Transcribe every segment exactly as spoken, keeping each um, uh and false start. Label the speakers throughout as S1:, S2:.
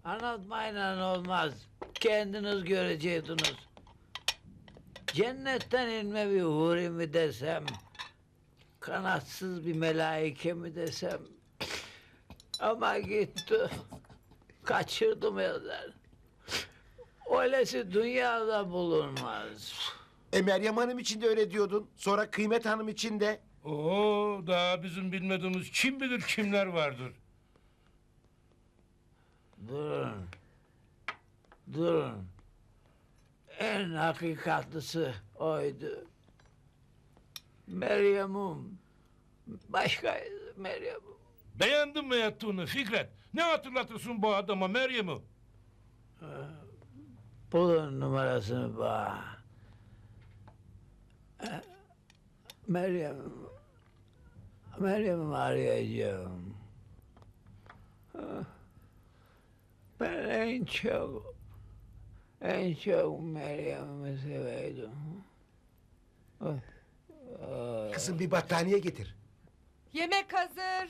S1: Anlatmayla olmaz. Kendiniz göreceksiniz. Cennetten inme bir huri mi desem, kanatsız bir melaike mi desem, ama gitti, kaçırdım elden. Öylesi dünyada bulunmaz.
S2: E Meryem Hanım için de öyle diyordun. Sonra Kıymet Hanım için de.
S3: Oo, daha bizim bilmediğimiz kim bilir kimler vardır.
S1: Durun. Durun. En hakikatlisi oydu. Meryem'im. Başka Meryem'im.
S3: Beğendin mi yaptığını Fikret? Ne hatırlatırsın bu adama Meryem'i?
S1: Bulun numarasını bana. Ee, Meryem, Meryem'i arayacağım. Ee, Ben en çok, en çok Meryem'i seveydim. Oy, oy.
S2: Kızım bir battaniye getir.
S4: Yemek hazır.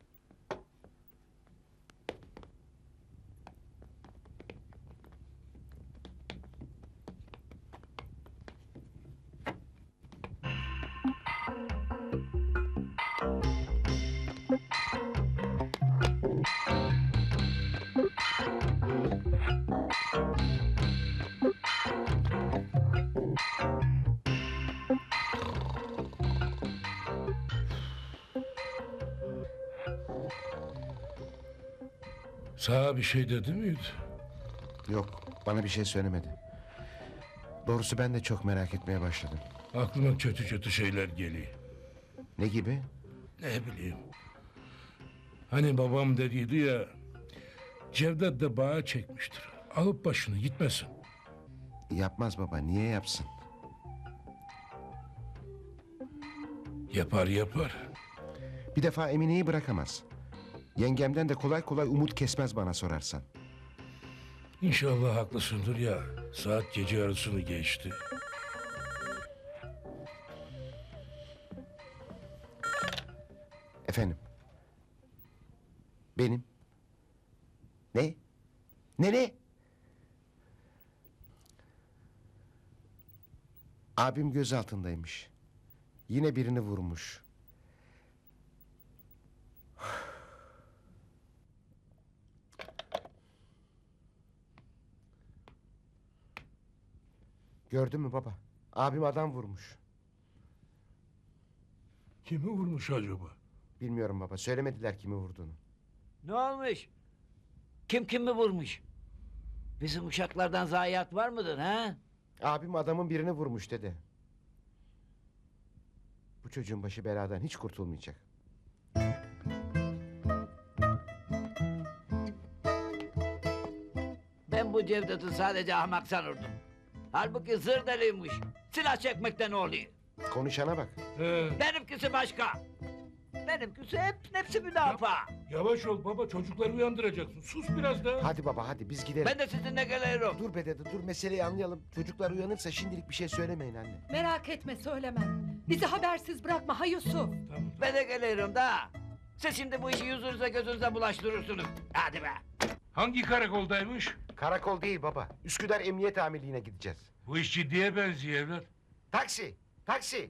S3: Sana bir şey dedi miydi?
S2: Yok, bana bir şey söylemedi. Doğrusu ben de çok merak etmeye başladım.
S3: Aklıma kötü kötü şeyler geliyor.
S2: Ne gibi?
S3: Ne bileyim. Hani babam dediydi ya, Cevdet de bağa çekmiştir. Alıp başını gitmesin.
S2: Yapmaz baba, niye yapsın?
S3: Yapar yapar.
S2: Bir defa Emine'yi bırakamaz. Yengemden de kolay kolay umut kesmez bana sorarsan.
S3: İnşallah haklısındır ya. Saat gece yarısını geçti.
S2: Efendim? Benim. Ne? Ne ne? Abim gözaltındaymış. Yine birini vurmuş. Gördün mü baba? Abim adam vurmuş.
S3: Kimi vurmuş acaba?
S2: Bilmiyorum baba, söylemediler kimi vurduğunu.
S1: Ne olmuş? Kim kimi vurmuş? Bizim uşaklardan zayiat var mıdır ha?
S2: Abim adamın birini vurmuş dedi. Bu çocuğun başı beladan hiç kurtulmayacak.
S1: Ben bu Cevdet'i sadece ahmak sanırdım. Halbuki zır deliymiş. Silah çekmekten oluyor.
S2: Konuşana bak.
S3: He,
S1: Benimkisi başka. Benimkisi hep hepsi müdafaa.
S3: yavaş ol baba, çocukları uyandıracaksın. Sus biraz daha.
S2: Hadi baba hadi biz gidelim.
S1: Ben de sizinle geliyorum.
S2: Dur be dede dur meseleyi anlayalım. Çocuklar uyanırsa şimdilik bir şey söylemeyin anne.
S4: Merak etme söylemem. Bizi habersiz bırakma ha Yusuf.
S3: Tamam.
S1: Ben de geliyorum da. Siz şimdi bu işi yüzünüze gözünüze bulaştırırsınız. Hadi be.
S3: Hangi karakoldaymış?
S2: Karakol değil baba. Üsküdar Emniyet Amirliği'ne gideceğiz.
S3: Bu iş ciddiye benziyor evlat.
S2: Taksi! Taksi!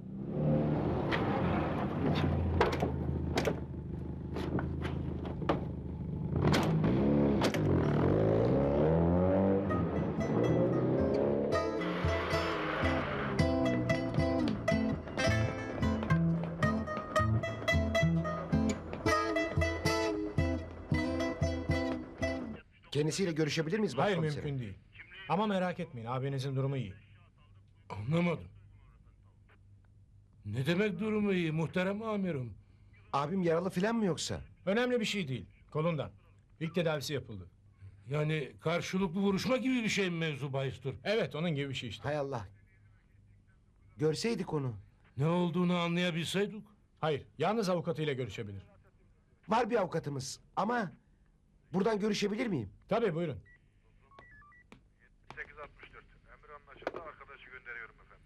S2: Kendisiyle görüşebilir miyiz
S5: Hayır
S2: başkomiserim?
S5: mümkün değil. Ama merak etmeyin abinizin durumu iyi.
S3: Anlamadım. Ne demek durumu iyi muhterem amirim?
S2: Abim yaralı filan mı yoksa?
S5: Önemli bir şey değil. Kolundan. İlk tedavisi yapıldı.
S3: Yani karşılıklı vuruşma gibi bir şey mi mevzu bahistir?
S5: Evet onun gibi bir şey işte.
S2: Hay Allah. Görseydik onu.
S3: Ne olduğunu anlayabilseydik.
S5: Hayır yalnız avukatıyla görüşebilir.
S2: Var bir avukatımız ama... Buradan görüşebilir miyim?
S5: Tabii buyurun.
S6: sekiz altmış dört. Emir anlaşıldı. Arkadaşı gönderiyorum efendim.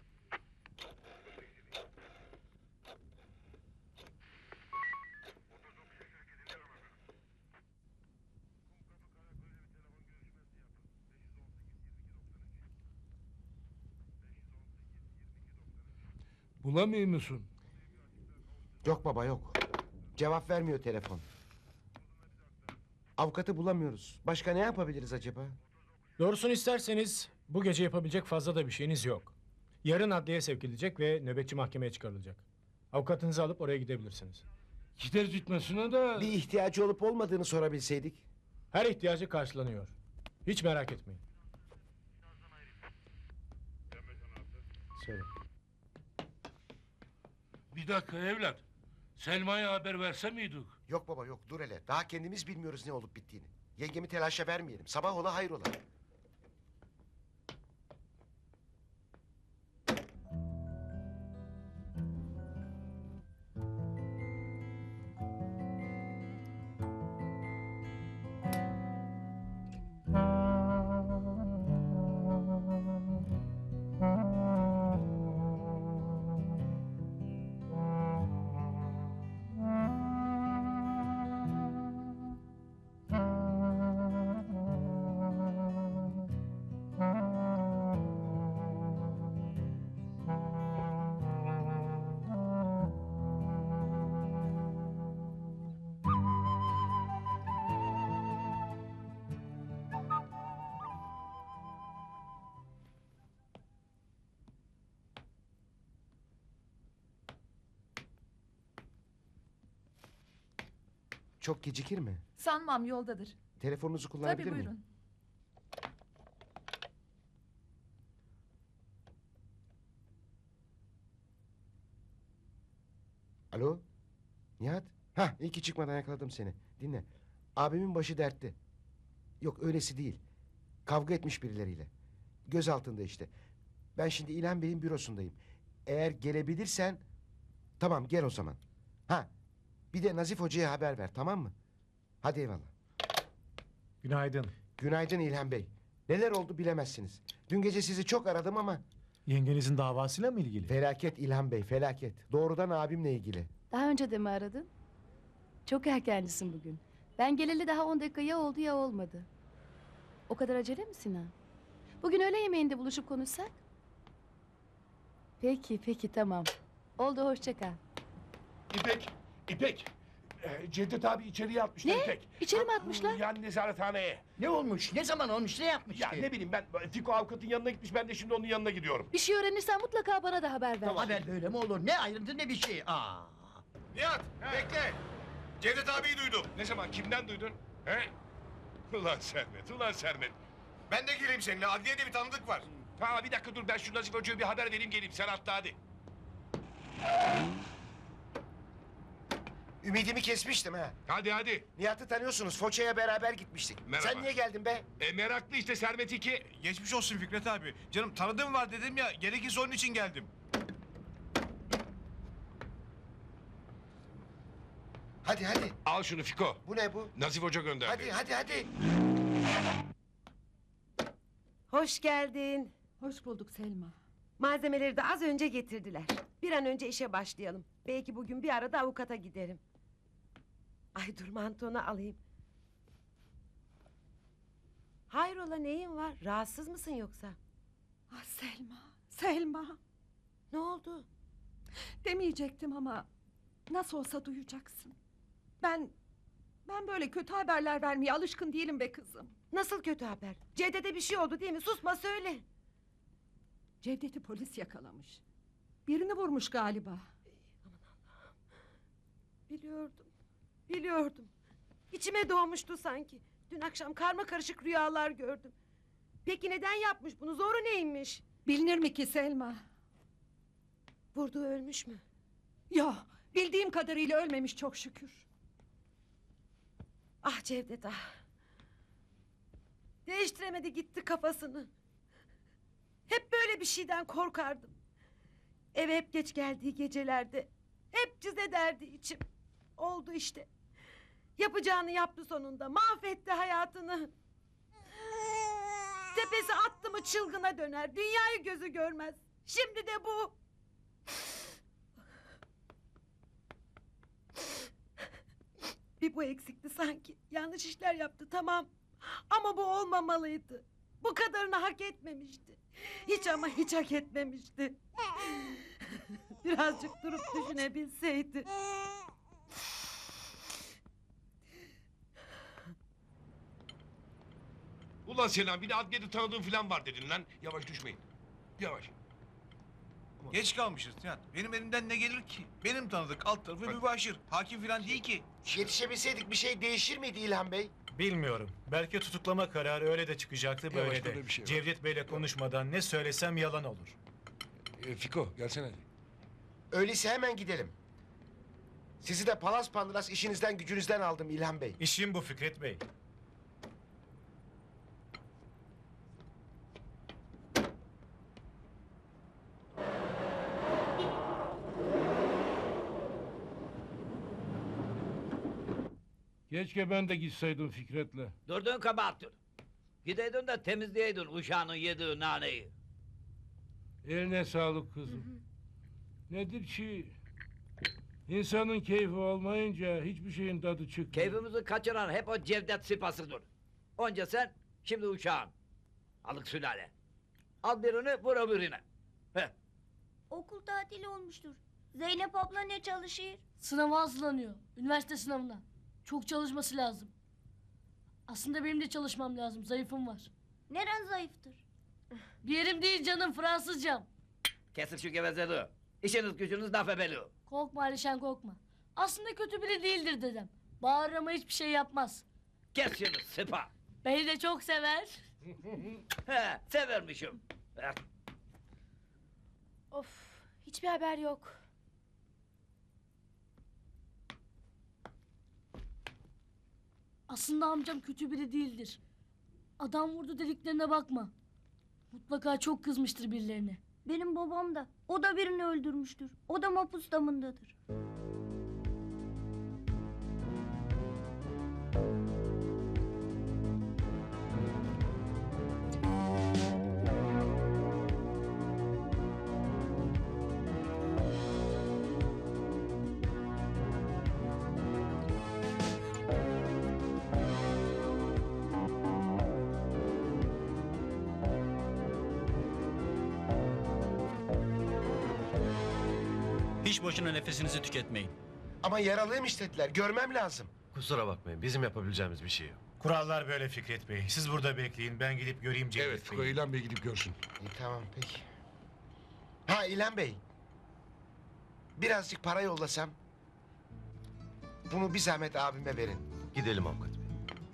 S3: Bulamıyor musun?
S2: Yok baba yok. Cevap vermiyor telefon. Avukatı bulamıyoruz. Başka ne yapabiliriz acaba?
S5: Doğrusunu isterseniz bu gece yapabilecek fazla da bir şeyiniz yok. Yarın adliyeye sevk edilecek ve nöbetçi mahkemeye çıkarılacak. Avukatınızı alıp oraya gidebilirsiniz.
S3: Gider gitmesine de...
S2: Bir ihtiyacı olup olmadığını sorabilseydik.
S5: Her ihtiyacı karşılanıyor. Hiç merak etmeyin.
S2: Söyle.
S3: Bir dakika evlat. Selma'ya haber verse miydik?
S2: Yok baba yok dur hele. Daha kendimiz bilmiyoruz ne olup bittiğini. Yengemi telaşa vermeyelim. Sabah ola hayrola. Çok gecikir mi?
S4: Sanmam yoldadır.
S2: Telefonunuzu kullanabilir
S4: Tabii
S2: miyim?
S4: buyurun.
S2: Alo? Nihat? Hah iyi ki çıkmadan yakaladım seni. Dinle. Abimin başı dertte. Yok öylesi değil. Kavga etmiş birileriyle. Göz altında işte. Ben şimdi İlhan Bey'in bürosundayım. Eğer gelebilirsen... Tamam gel o zaman. Ha bir de Nazif Hoca'ya haber ver tamam mı? Hadi eyvallah.
S5: Günaydın.
S2: Günaydın İlhan Bey. Neler oldu bilemezsiniz. Dün gece sizi çok aradım ama...
S5: Yengenizin davasıyla mı ilgili?
S2: Felaket İlhan Bey felaket. Doğrudan abimle ilgili.
S7: Daha önce de mi aradın? Çok erkencisin bugün. Ben geleli daha on dakika ya oldu ya olmadı. O kadar acele mi Sinan? Bugün öğle yemeğinde buluşup konuşsak? Peki, peki tamam. Oldu hoşça kal.
S8: İpek, İpek. Ee, Cevdet abi içeriye atmışlar
S7: Ne?
S8: İpek.
S7: İçeri mi
S8: Ha,
S7: atmışlar?
S8: Yani nezarethaneye.
S1: Ne olmuş? Ne zaman olmuş? Ne yapmış
S8: Ya
S1: ki?
S8: ne bileyim ben Fiko avukatın yanına gitmiş ben de şimdi onun yanına gidiyorum.
S7: Bir şey öğrenirsen mutlaka bana da haber ver.
S1: Haber böyle mi olur? Ne ayrıntı ne bir şey. Aa.
S8: Nihat bekle. Cevdet abiyi duydum. Ne zaman kimden duydun? He? Ulan Sermet, ulan Sermet. Ben de geleyim seninle. Adliyede bir tanıdık var. Ha bir dakika dur ben şu Nazif Hoca'ya bir haber vereyim geleyim. Sen atla hadi.
S2: Ümidimi kesmiştim ha.
S8: Hadi hadi.
S2: Nihat'ı tanıyorsunuz. Foça'ya beraber gitmiştik.
S8: Merhaba.
S2: Sen niye geldin be?
S8: E, meraklı işte Sermet iki.
S9: Geçmiş olsun Fikret abi. Canım tanıdığım var dedim ya. Gerekirse onun için geldim.
S2: Hadi hadi.
S8: Al şunu Fiko.
S2: Bu ne bu?
S8: Nazif Hoca gönderdi.
S2: Hadi hadi hadi.
S10: Hoş geldin.
S4: Hoş bulduk Selma.
S10: Malzemeleri de az önce getirdiler. Bir an önce işe başlayalım. Belki bugün bir arada avukata giderim. Ay dur mantonu alayım. Hayrola neyin var? Rahatsız mısın yoksa?
S4: Ah Selma, Selma.
S10: Ne oldu?
S4: Demeyecektim ama nasıl olsa duyacaksın. Ben, ben böyle kötü haberler vermeye alışkın değilim be kızım.
S10: Nasıl kötü haber? Cevdet'e bir şey oldu değil mi? Susma söyle.
S4: Cevdet'i polis yakalamış. Birini vurmuş galiba.
S10: Biliyordum. Biliyordum. İçime doğmuştu sanki. Dün akşam karma karışık rüyalar gördüm. Peki neden yapmış bunu? Zoru neymiş?
S4: Bilinir mi ki Selma?
S10: Vurduğu ölmüş mü?
S4: Ya bildiğim kadarıyla ölmemiş çok şükür.
S10: Ah Cevdet ah. Değiştiremedi gitti kafasını. Hep böyle bir şeyden korkardım. Eve hep geç geldiği gecelerde hep cız ederdi içim. Oldu işte. Yapacağını yaptı sonunda. Mahvetti hayatını. Tepesi attı mı çılgına döner. Dünyayı gözü görmez. Şimdi de bu. Bir bu eksikti sanki. Yanlış işler yaptı tamam. Ama bu olmamalıydı. Bu kadarını hak etmemişti. Hiç ama hiç hak etmemişti. Birazcık durup düşünebilseydi.
S8: Ulan Sinan bir de adliyede tanıdığın falan var dedin lan. Yavaş düşmeyin. Yavaş.
S9: Geç kalmışız Nihat. Benim elimden ne gelir ki? Benim tanıdık alt tarafı mübaşir. Hakim falan değil ki.
S2: Yetişebilseydik bir şey değişir miydi İlhan Bey?
S5: Bilmiyorum. Belki tutuklama kararı öyle de çıkacaktı böyle
S8: Yavaş,
S5: de.
S8: böyle bir şey var.
S5: Cevdet Bey'le konuşmadan ne söylesem yalan olur.
S8: E, Fiko gelsene.
S2: Öyleyse hemen gidelim. Sizi de palas pandıras işinizden gücünüzden aldım İlhan Bey.
S5: İşim bu Fikret Bey.
S3: Keşke ben de gitseydim Fikret'le.
S1: Durduğun kabahattir. Gideydin de temizleyeydin uşağının yediği naneyi.
S3: Eline sağlık kızım. Nedir ki? İnsanın keyfi olmayınca hiçbir şeyin tadı çıkmıyor.
S1: Keyfimizi kaçıran hep o Cevdet sıpasıdır. Onca sen, şimdi uşağın. Alık sülale. Al birini, vur öbürüne. Heh.
S11: Okul tatili olmuştur. Zeynep abla ne çalışır?
S12: Sınava hazırlanıyor. Üniversite sınavına. Çok çalışması lazım. Aslında benim de çalışmam lazım. Zayıfım var.
S11: Neren zayıftır?
S12: Bir yerim değil canım. Fransızcam.
S1: Kesin şu gevezeliği. İşiniz gücünüz laf ebeliği.
S12: Korkma Alişan korkma. Aslında kötü biri değildir dedem. Bağırır ama hiçbir şey yapmaz.
S1: Kes şunu sıpa.
S12: Beni de çok sever.
S1: He, severmişim. Heh.
S7: Of, hiçbir haber yok.
S12: Aslında amcam kötü biri değildir. Adam vurdu dediklerine bakma. Mutlaka çok kızmıştır birilerine.
S11: Benim babam da. O da birini öldürmüştür. O da mapus damındadır.
S13: Hiç boşuna nefesinizi tüketmeyin.
S2: Ama yaralıymış dediler. Görmem lazım.
S14: Kusura bakmayın. Bizim yapabileceğimiz bir şey yok.
S5: Kurallar böyle Fikret Bey. Siz burada bekleyin. Ben gidip göreyim Cevdet
S8: Evet Fiko
S5: Bey'i.
S8: İlhan Bey gidip görsün.
S2: İyi, tamam peki. Ha İlhan Bey. Birazcık para yollasam. Bunu bir zahmet abime verin.
S14: Gidelim avukat bey.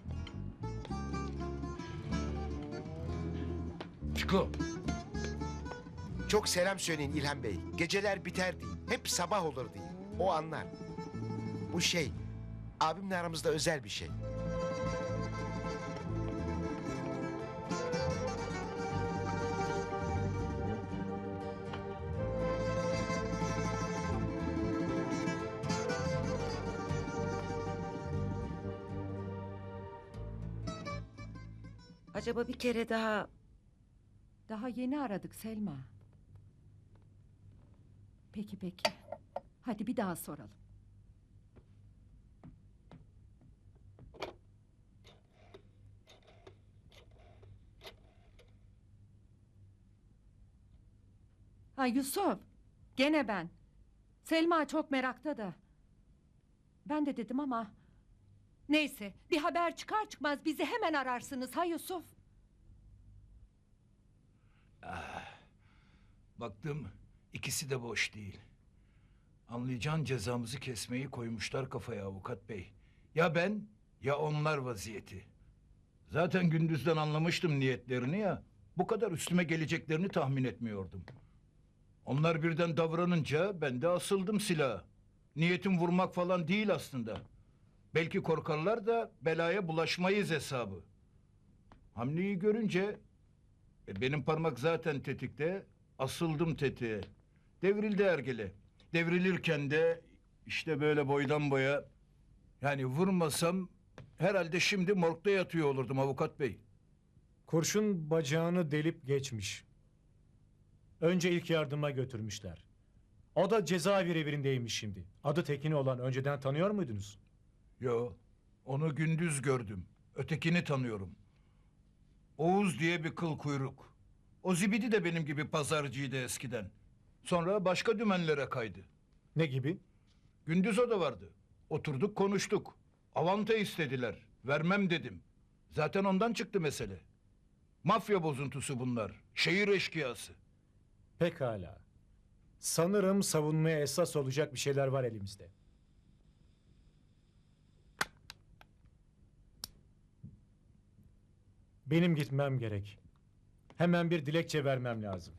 S3: Fiko,
S2: Çok selam söyleyin İlhan Bey. Geceler biter değil. Hep sabah olur değil. O anlar. Bu şey, abimle aramızda özel bir şey.
S10: Acaba bir kere daha...
S4: Daha yeni aradık Selma. Peki peki. Hadi bir daha soralım. Ha Yusuf. Gene ben. Selma çok merakta da. Ben de dedim ama... Neyse bir haber çıkar çıkmaz bizi hemen ararsınız ha Yusuf.
S3: baktım ikisi de boş değil. Anlayacağın cezamızı kesmeyi koymuşlar kafaya avukat bey. Ya ben ya onlar vaziyeti. Zaten gündüzden anlamıştım niyetlerini ya. Bu kadar üstüme geleceklerini tahmin etmiyordum. Onlar birden davranınca ben de asıldım silaha. Niyetim vurmak falan değil aslında. Belki korkarlar da belaya bulaşmayız hesabı. Hamleyi görünce e, benim parmak zaten tetikte, asıldım tetiğe. Devrildi ergele. Devrilirken de işte böyle boydan boya, yani vurmasam herhalde şimdi morgda yatıyor olurdum avukat bey.
S5: Kurşun bacağını delip geçmiş. Önce ilk yardıma götürmüşler. O da cezaevi revirindeymiş şimdi. Adı Tekin olan önceden tanıyor muydunuz?
S3: Yo, onu gündüz gördüm. Ötekini tanıyorum. Oğuz diye bir kıl kuyruk. O zibidi de benim gibi pazarcıydı eskiden. Sonra başka dümenlere kaydı.
S5: Ne gibi?
S3: Gündüz o da vardı. Oturduk konuştuk. Avanta istediler. Vermem dedim. Zaten ondan çıktı mesele. Mafya bozuntusu bunlar. Şehir eşkıyası.
S5: Pekala. Sanırım savunmaya esas olacak bir şeyler var elimizde. Benim gitmem gerek. Hemen bir dilekçe vermem lazım.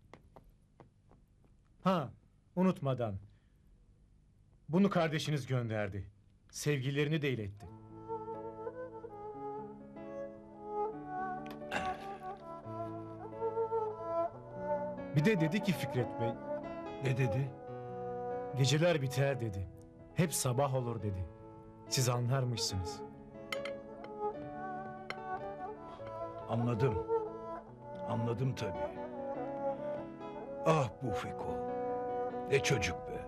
S5: Ha, unutmadan. Bunu kardeşiniz gönderdi. Sevgilerini de iletti. Bir de dedi ki Fikret Bey,
S3: Ne dedi?
S5: geceler biter dedi. Hep sabah olur dedi. Siz anlarmışsınız.
S3: Anladım. Anladım tabii. Ah bu Fiko. Ne çocuk be.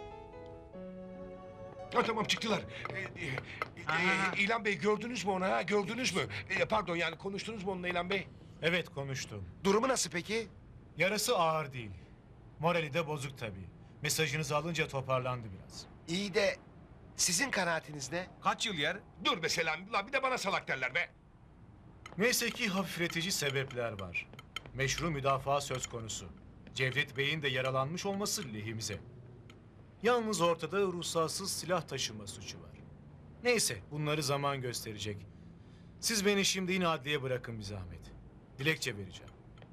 S8: Ha, tamam çıktılar. Ee, e, e, İlhan Bey gördünüz mü onu ha? Gördünüz mü? Ee, pardon yani konuştunuz mu onunla İlhan Bey?
S5: Evet, konuştum.
S2: Durumu nasıl peki?
S5: Yarası ağır değil. Morali de bozuk tabii. Mesajınızı alınca toparlandı biraz.
S2: İyi de sizin kanaatiniz ne?
S8: Kaç yıl yer? Dur be Selami. Lan bir de bana salak derler be.
S5: Neyse ki hafifletici sebepler var. Meşru müdafaa söz konusu. Cevdet Bey'in de yaralanmış olması lehimize. Yalnız ortada ruhsatsız silah taşıma suçu var. Neyse, bunları zaman gösterecek. Siz beni şimdi yine adliye bırakın bir zahmet. Dilekçe vereceğim.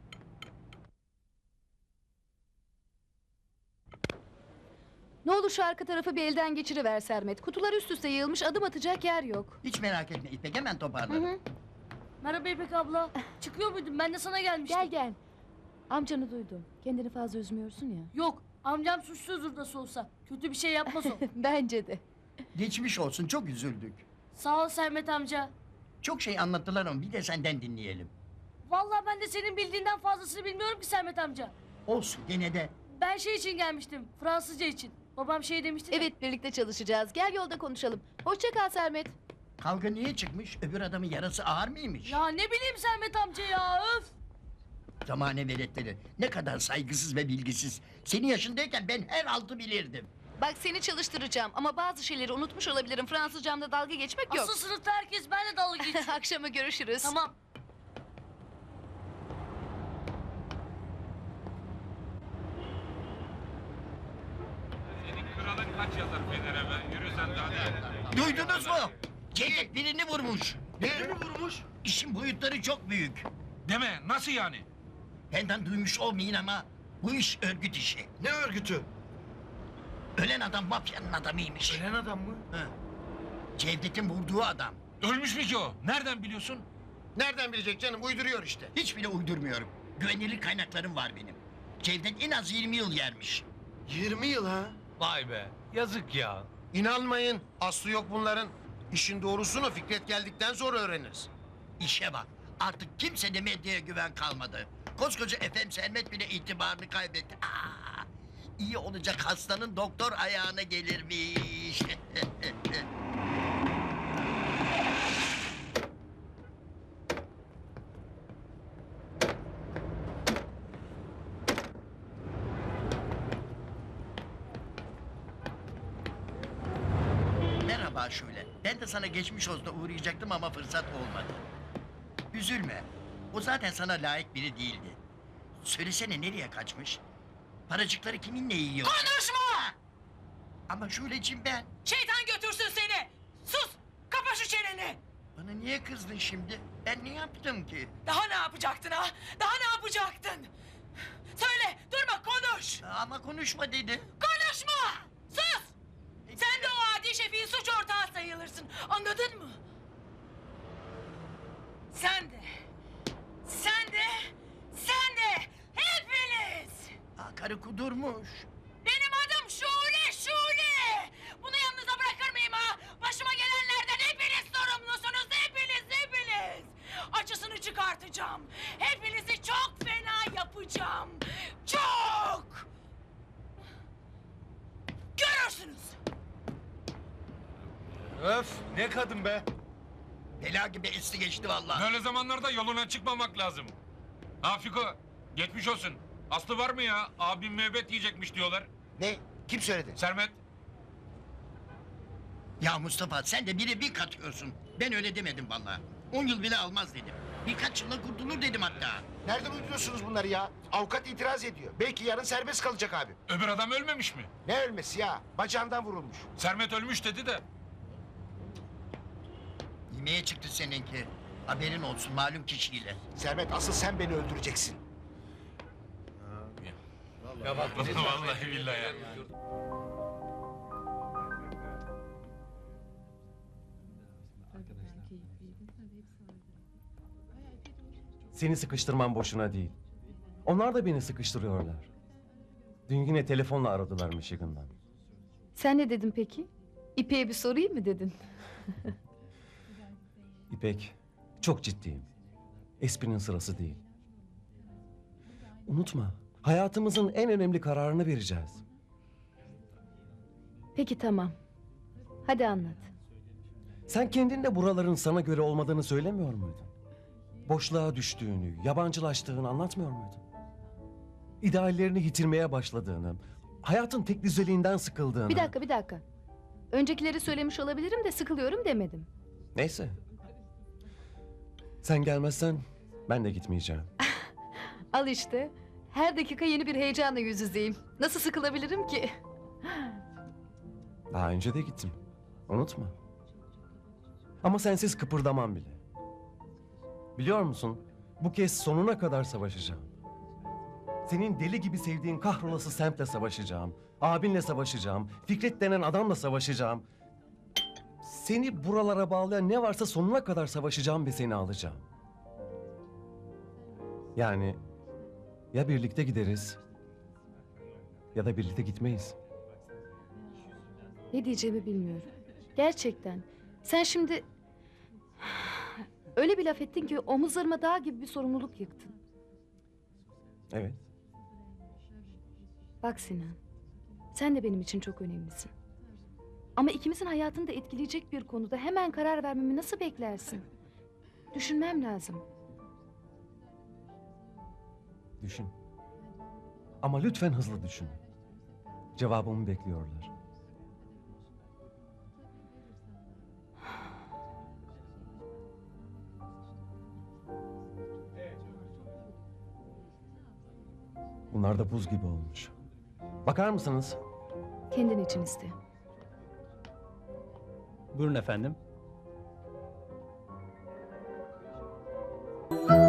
S7: Ne olur şu arka tarafı bir elden geçiriver Sermet. Kutular üst üste yığılmış, adım atacak yer yok.
S15: Hiç merak etme İpek, hemen
S7: Hı
S15: toparlarım.
S7: hı.
S12: Merhaba İpek abla. Çıkıyor muydun? Ben de sana gelmiştim.
S7: Gel gel. Amcanı duydum. Kendini fazla üzmüyorsun ya.
S12: Yok, amcam suçsuzdur nasıl olsa. Kötü bir şey yapmaz o.
S7: Bence de.
S15: Geçmiş olsun, çok üzüldük.
S12: Sağ ol Sermet amca.
S15: Çok şey anlattılar ama bir de senden dinleyelim.
S12: Vallahi ben de senin bildiğinden fazlasını bilmiyorum ki Sermet amca.
S15: Olsun, gene de.
S12: Ben şey için gelmiştim, Fransızca için. Babam şey demişti de.
S7: Evet, birlikte çalışacağız. Gel yolda konuşalım. Hoşça kal Sermet.
S15: Kavga niye çıkmış? Öbür adamın yarası ağır mıymış?
S12: Ya ne bileyim Sermet amca ya, öf!
S15: Zamane veletleri. Ne kadar saygısız ve bilgisiz. Senin yaşındayken ben her altı bilirdim.
S7: Bak seni çalıştıracağım ama bazı şeyleri unutmuş olabilirim. Fransızcamda dalga geçmek yok.
S12: Asıl sınıfta herkes benimle dalga geçiyor.
S7: Akşama görüşürüz.
S12: Tamam.
S8: Kralın kaç yazar Fener'e be? Yürü sen de hadi.
S15: Duydunuz mu? Cevdet birini vurmuş.
S8: Birini vurmuş?
S15: İşin boyutları çok büyük.
S8: Deme, nasıl yani?
S15: Benden duymuş olmayın ama bu iş örgüt işi.
S2: Ne örgütü?
S15: Ölen adam mafyanın adamıymış.
S8: Ölen adam mı?
S15: Hı. Cevdet'in vurduğu adam.
S8: Ölmüş mü ki o? Nereden biliyorsun?
S2: Nereden bilecek canım? Uyduruyor işte.
S15: Hiç bile uydurmuyorum. Güvenilir kaynaklarım var benim. Cevdet en az yirmi yıl yermiş.
S2: Yirmi yıl ha?
S8: Vay be, yazık ya.
S2: İnanmayın. Aslı yok bunların. İşin doğrusunu Fikret geldikten sonra öğreniriz.
S15: İşe bak. Artık kimse de medyaya güven kalmadı. Koskoca Efem Sermet bile itibarını kaybetti. Aa, iyi olacak hastanın doktor ayağına gelirmiş. Merhaba Şule. Ben de sana geçmiş olsun uğrayacaktım ama fırsat olmadı. Üzülme. O zaten sana layık biri değildi. Söylesene nereye kaçmış? Paracıkları kiminle yiyor?
S10: Konuşma!
S15: Ama Şule'cim ben.
S10: Şeytan götürsün seni! Sus! Kapa şu çeneni!
S15: Bana niye kızdın şimdi? Ben ne yaptım ki?
S10: Daha ne yapacaktın ha? Daha ne yapacaktın? Söyle, durma konuş!
S15: Ama konuşma dedi.
S10: Konuşma! Sus! Sen de o adi şefin suç ortağı sayılırsın, anladın mı? Sen de, sen de, sen de, hepiniz!
S15: Aa, karı kudurmuş.
S10: Benim adım Şule, Şule! Bunu yanınıza bırakır mıyım ha? Başıma gelenlerden hepiniz sorumlusunuz, hepiniz, hepiniz! Acısını çıkartacağım. Hepinizi çok fena yapacağım. Çok! Görürsünüz.
S8: Öf, ne kadın be?
S15: Bela gibi esti geçti vallahi.
S8: Böyle zamanlarda yoluna çıkmamak lazım. Ha Fiko, geçmiş olsun. Aslı var mı ya? Abim müebbet yiyecekmiş diyorlar.
S2: Ne? Kim söyledi?
S8: Sermet.
S15: Ya Mustafa sen de biri bir katıyorsun. Ben öyle demedim vallahi. On yıl bile almaz dedim. Birkaç yılla kurtulur dedim hatta.
S2: Nereden uyduruyorsunuz bunları ya? Avukat itiraz ediyor. Belki yarın serbest kalacak abi.
S8: Öbür adam ölmemiş mi?
S2: Ne ölmesi ya? Bacağından vurulmuş.
S8: Sermet ölmüş dedi de.
S15: Yemeğe çıktı seninki. Haberin olsun malum kişiyle.
S2: Sermet asıl sen beni öldüreceksin.
S8: Ya bak vallahi billahi ya.
S16: Seni sıkıştırmam boşuna değil. Onlar da beni sıkıştırıyorlar. Dün yine telefonla aradılar Michigan'dan.
S7: Sen ne dedin peki? İpek'e bir sorayım mı dedin?
S16: İpek, çok ciddiyim. Esprinin sırası değil. Unutma, hayatımızın en önemli kararını vereceğiz.
S7: Peki tamam. Hadi anlat.
S16: Sen kendin de buraların sana göre olmadığını söylemiyor muydun? Boşluğa düştüğünü, yabancılaştığını anlatmıyor muydun? İdeallerini yitirmeye başladığını, hayatın tek düzeliğinden sıkıldığını...
S7: Bir dakika bir dakika. Öncekileri söylemiş olabilirim de sıkılıyorum demedim.
S16: Neyse. Sen gelmezsen ben de gitmeyeceğim.
S7: Al işte. Her dakika yeni bir heyecanla yüz yüzeyim. Nasıl sıkılabilirim ki?
S16: Daha önce de gittim. Unutma. Ama sensiz kıpırdamam bile. Biliyor musun? Bu kez sonuna kadar savaşacağım. Senin deli gibi sevdiğin kahrolası semtle savaşacağım. Abinle savaşacağım. Fikret denen adamla savaşacağım. Seni buralara bağlayan ne varsa sonuna kadar savaşacağım ve seni alacağım. Yani ya birlikte gideriz ya da birlikte gitmeyiz.
S7: Ne diyeceğimi bilmiyorum. Gerçekten. Sen şimdi... Öyle bir laf ettin ki omuzlarıma dağ gibi bir sorumluluk yıktın.
S16: Evet.
S7: Bak Sinan. Sen de benim için çok önemlisin. Ama ikimizin hayatını da etkileyecek bir konuda hemen karar vermemi nasıl beklersin? Düşünmem lazım.
S16: Düşün. Ama lütfen hızlı düşün. Cevabımı bekliyorlar. Bunlar da buz gibi olmuş. Bakar mısınız?
S7: Kendin için iste.
S13: Buyurun efendim.